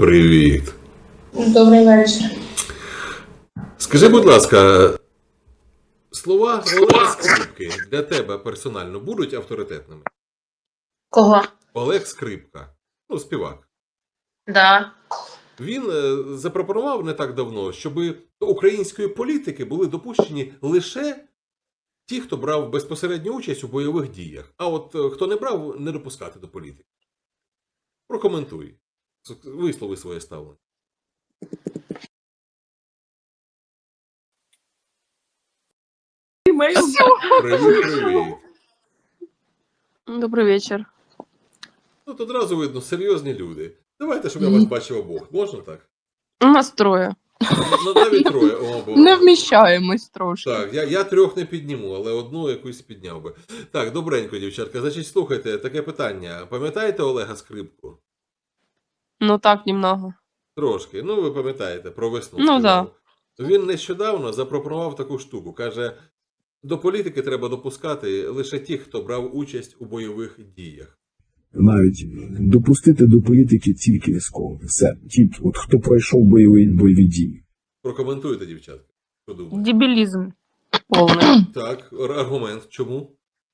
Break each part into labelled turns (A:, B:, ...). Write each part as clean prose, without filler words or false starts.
A: Привіт.
B: Добрий вечір.
A: Скажи, будь ласка, слова Олега Скрипки для тебе персонально будуть авторитетними?
B: Кого?
A: Олег Скрипка, співак.
B: Да.
A: Він запропонував не так давно, щоб до української політики були допущені лише ті, хто брав безпосередню участь у бойових діях. А от хто не брав, не допускати до політики. Прокоментуй. Вислови своє ставлення. Привіт.
C: Добрий вечір.
A: Тут одразу видно, серйозні люди. Давайте, щоб я вас бачив обох. Можна так?
C: У нас троє.
A: Навіть троє. О, бо...
C: Не вміщаємось трошки.
A: Так, я трьох не підніму, але одну якусь підняв би. Так, добренько, дівчатка. Значить, слухайте, таке питання. Пам'ятаєте Олега Скрипку?
C: Ну так, немного.
A: Трошки. Ви пам'ятаєте, про весну.
C: Ну,
A: да. Він нещодавно запропонував таку штуку. Каже, до політики треба допускати лише тих, хто брав участь у бойових діях.
D: Навіть допустити до політики тільки військових. Все. Ті, от хто пройшов бойові дії.
A: Прокоментуйте, дівчатка. Що думаєте?
C: Дебілізм повний.
A: Так, аргумент. Чому?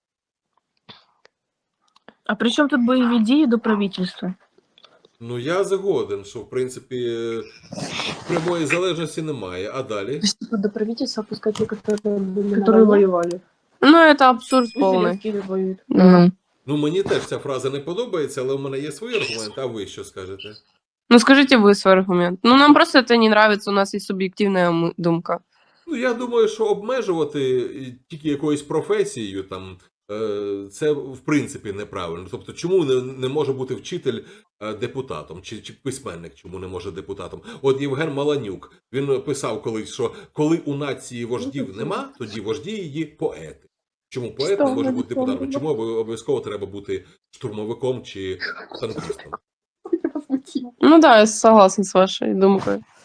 E: А при чому тут бойові дії до правительства?
A: Я згоден, що, в принципі, прямої залежності немає. А далі?
E: До правительства пускать те,
B: Которые воювали.
C: Ну, це абсурд повний.
E: Киеве воюют.
A: Мені теж ця фраза не подобається, але у мене є свої аргументи, а ви що скажете?
C: Ну, скажите вы свой аргумент. Ну, нам просто это не нравится, у нас есть субъективная думка.
A: Я думаю, що обмежувати тільки якоюсь професією, це в принципі неправильно. Тобто, чому не може бути вчитель депутатом, чи письменник, чому не може депутатом? От Євген Маланюк, він писав колись, що коли у нації вождів нема, тоді вожді її поети. Чому поет не може бути депутатом? Чому обов'язково треба бути штурмовиком чи танкістом?
C: Ну да, я согласна с вашей думкой.